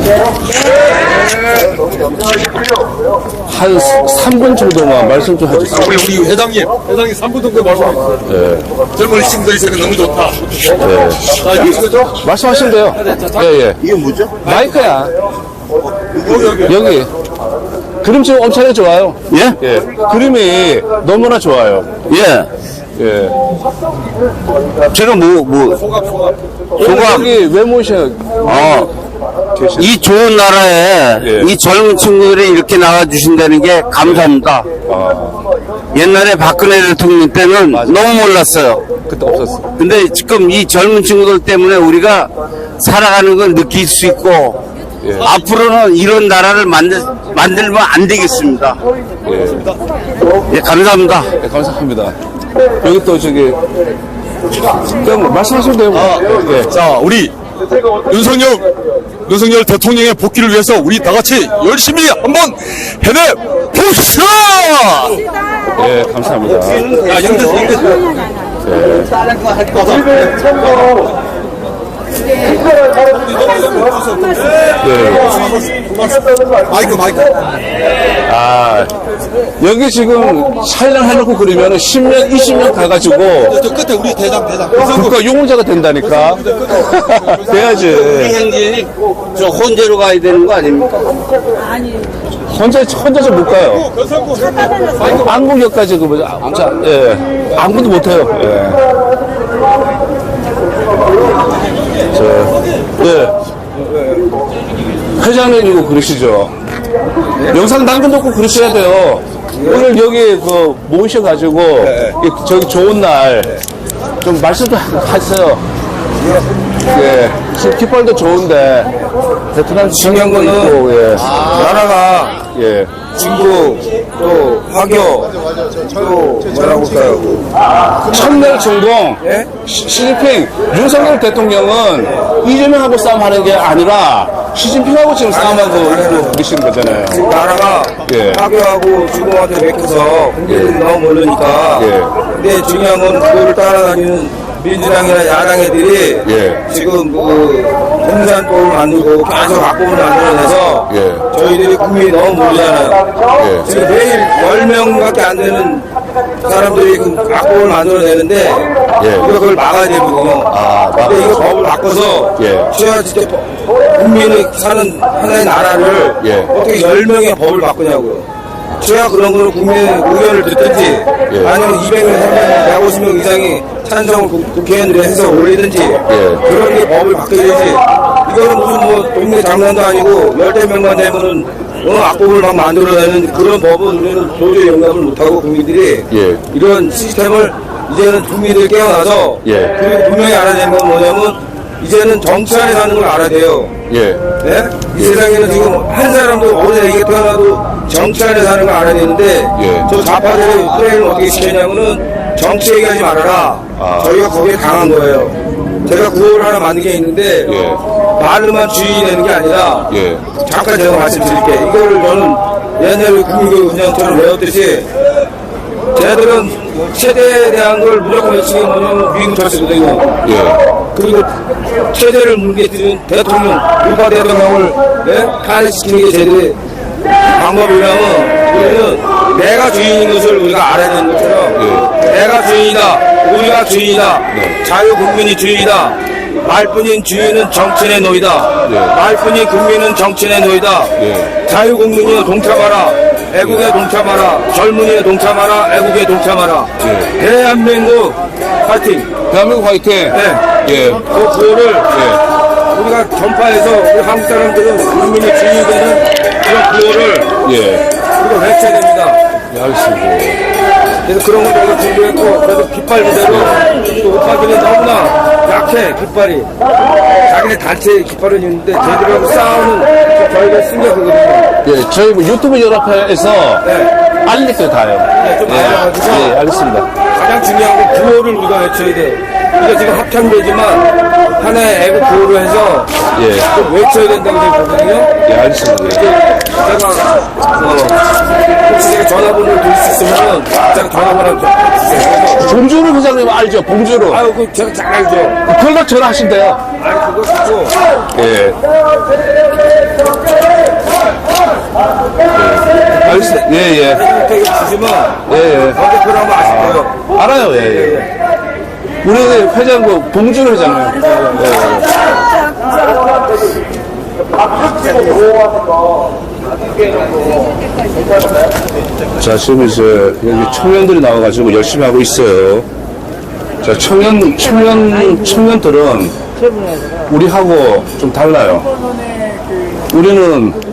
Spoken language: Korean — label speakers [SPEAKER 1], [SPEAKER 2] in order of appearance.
[SPEAKER 1] 한 3분 정도만 말씀 좀 해주세요.
[SPEAKER 2] 우리 회장님 3분 정도 말씀해주세요.
[SPEAKER 1] 네.
[SPEAKER 2] 젊은 시민들이 있으니까 너무 좋다.
[SPEAKER 1] 네.
[SPEAKER 2] 자, 이거죠?
[SPEAKER 1] 말씀하시면 돼요. 예, 예.
[SPEAKER 3] 이게 뭐죠?
[SPEAKER 1] 마이크야. 여기. 그림 지금 엄청 좋아요.
[SPEAKER 3] 예?
[SPEAKER 1] 예. 그림이 너무나 좋아요.
[SPEAKER 3] 예.
[SPEAKER 1] 예.
[SPEAKER 3] 제가 소감.
[SPEAKER 1] 여기 왜 모셔?
[SPEAKER 3] 이 좋은 나라에
[SPEAKER 1] 예.
[SPEAKER 3] 이 젊은 친구들이 이렇게 나와주신다는 게 감사합니다. 옛날에 박근혜 대통령 때는 너무 몰랐어요.
[SPEAKER 1] 그때 없었어.
[SPEAKER 3] 근데 지금 이 젊은 친구들 때문에 우리가 살아가는 걸 느낄 수 있고,
[SPEAKER 1] 예.
[SPEAKER 3] 앞으로는 이런 나라를 만들면 안 되겠습니다. 예, 감사합니다.
[SPEAKER 1] 네, 감사합니다. 여기 또 저기 그냥 말씀하시면 돼요. 예.
[SPEAKER 2] 자, 우리 윤석열 대통령의 복귀를 위해서 우리 다 같이 열심히 한번 해내 봅시다!
[SPEAKER 1] 예, 감사합니다.
[SPEAKER 2] 아, 마이크.
[SPEAKER 1] 아, 여기 지금 촬영해놓고 그러면 10년, 20년 가가지고
[SPEAKER 2] 저 끝에 우리 대장.
[SPEAKER 1] 국가 용의자가 된다니까. 돼야지.
[SPEAKER 3] 행진이 저 혼재로 가야 되는 거 아닙니까?
[SPEAKER 1] 혼자서 못 가요. 안국역까지 예. 아무도 못 해요. 예. 예. 회장님 이거 그러시죠? 영상 남겨놓고 그러셔야 돼요. 오늘 여기 모이셔가지고 저기 좋은 날 좀 말씀 좀 하세요. 예. 지금 깃발도 좋은데 베트남
[SPEAKER 4] 중요한 거는
[SPEAKER 1] 있고, 예.
[SPEAKER 4] 나라가
[SPEAKER 1] 예.
[SPEAKER 4] 중국 또 화교 또 뭐라고 할까요?
[SPEAKER 1] 천낼 전공
[SPEAKER 4] 예?
[SPEAKER 1] 시진핑 윤석열 대통령은 이재명하고 싸움하는 게 아니라 시진핑하고 지금 싸움하고 계시는 거잖아요.
[SPEAKER 4] 나라가
[SPEAKER 1] 예.
[SPEAKER 4] 화교하고 중국한테 맥혀서 국민들이 너무 모르니까
[SPEAKER 1] 예.
[SPEAKER 4] 근데 중요한 건 그거를 따라다니는 민주당이나 야당 애들이
[SPEAKER 1] 예.
[SPEAKER 4] 지금 공산党만들고 계속 악법을 만들어내서
[SPEAKER 1] 예.
[SPEAKER 4] 저희들이 국민이 너무 모르잖아요.
[SPEAKER 1] 예.
[SPEAKER 4] 지금 매일 10명밖에 안 되는 사람들이 그 악법을 만들어내는데
[SPEAKER 1] 예.
[SPEAKER 4] 우리가 그걸 막아야 되거든요. 근데 이거 법을 바꿔서
[SPEAKER 1] 예.
[SPEAKER 4] 제가 진짜 국민이 사는 하나의 나라를
[SPEAKER 1] 예.
[SPEAKER 4] 어떻게 10명의 법을 바꾸냐고요. 제가 그런 거는 국민의 의견을 듣든지
[SPEAKER 1] 예.
[SPEAKER 4] 아니면 200명, 300명, 150명 이상이 찬성을 국회의원들이 해서 올리든지 그런 게 법을 바뀌어야지. 이거는 무슨 동네 장난도 아니고 10명만 되면은 악법을 막 만들어내는 그런 법은 우리는 도저히 용납을 못하고 국민들이
[SPEAKER 1] 예.
[SPEAKER 4] 이런 시스템을 이제는 국민들이 깨어나서
[SPEAKER 1] 예.
[SPEAKER 4] 그리고 분명히 알아야 되는 건 뭐냐면 이제는 정치 안에 사는 걸 알아야 돼요.
[SPEAKER 1] 예.
[SPEAKER 4] 네? 이 세상에는 지금 한 사람도 어느 애기 태어나도 정치 안에 사는 걸 알아야 되는데
[SPEAKER 1] 예.
[SPEAKER 4] 저 좌파들이 프레임을 어떻게 시켰냐면은 정치 얘기하지 말아라. 저희가 거기에 당한 거예요. 제가 구호를 하나 만든 게 있는데
[SPEAKER 1] 예.
[SPEAKER 4] 말로만 주인이 되는 게 아니라
[SPEAKER 1] 예.
[SPEAKER 4] 잠깐 제가 말씀드릴게요. 이거를 저는 옛날에 국민교육 훈련처럼 외웠듯이 쟤들은 체제에 대한 걸 무조건 외치는 게 뭐냐면 미국 철수거든요.
[SPEAKER 1] 예.
[SPEAKER 4] 그리고 체제를 뭉개뜨린 대통령, 우파 대통령을 탄핵시키는 게 쟤들의 방법이라면 우리는 내가 주인인 것을 우리가 알아야 되는 것처럼 내가 주인이다, 우리가 주인이다, 자유국민이 주인이다. 말뿐인 주인은 정치인의 노이다. 말뿐인 국민은 정치인의 노이다. 자유국민이 동참하라. 애국에 동참하라. 젊은이에 동참하라. 애국에 동참하라. 대한민국 파이팅.
[SPEAKER 1] 대한민국 화이팅.
[SPEAKER 4] 네.
[SPEAKER 1] 예.
[SPEAKER 4] 그 구호를 우리가 전파해서 우리 한국 사람들은 국민의 주인이 되는 그런 구호를
[SPEAKER 1] 예.
[SPEAKER 4] 우리가 외쳐야 됩니다.
[SPEAKER 1] 예, 알겠습니다.
[SPEAKER 4] 그래서 그런 걸 저희가 준비했고 그래도 깃발 그대로 또 오빠들이 너무나 약해 깃발이 자기네 단체 깃발은 있는데 저희들하고 싸우는 저희가 승격이거든요.
[SPEAKER 1] 예, 저희 유튜브 연합회에서 알리니까 다요.
[SPEAKER 4] 좀 알아가지고
[SPEAKER 1] 예, 알겠습니다.
[SPEAKER 4] 가장 중요한 건 구호를 우리가 외쳐야 돼요. 이게 지금 합창되지만 하나의 애국 구호로 해서
[SPEAKER 1] 예.
[SPEAKER 4] 좀 외쳐야 된다고 저희 보거든요.
[SPEAKER 1] 예, 알겠습니다.
[SPEAKER 4] 혹시 제가 전화번호를 드릴 수 있으면 제가 전화번호 좀 주세요.
[SPEAKER 1] 봉주루 회장님 알죠? 봉주루.
[SPEAKER 4] 아유, 그 제가 잘 알죠.
[SPEAKER 1] 그걸로 전화하신대요.
[SPEAKER 4] 아니 그거 듣고
[SPEAKER 1] 예. 예.
[SPEAKER 4] 대중택에 주시면
[SPEAKER 1] 예, 예.
[SPEAKER 4] 원대표를 한번 아실 거예요.
[SPEAKER 1] 알아요, 예, 예. 우리 회장, 봉준 회장이요. 예, 예. 자, 지금 이제 여기 청년들이 나와가지고 열심히 하고 있어요. 자, 청년들은 우리하고 좀 달라요. 우리는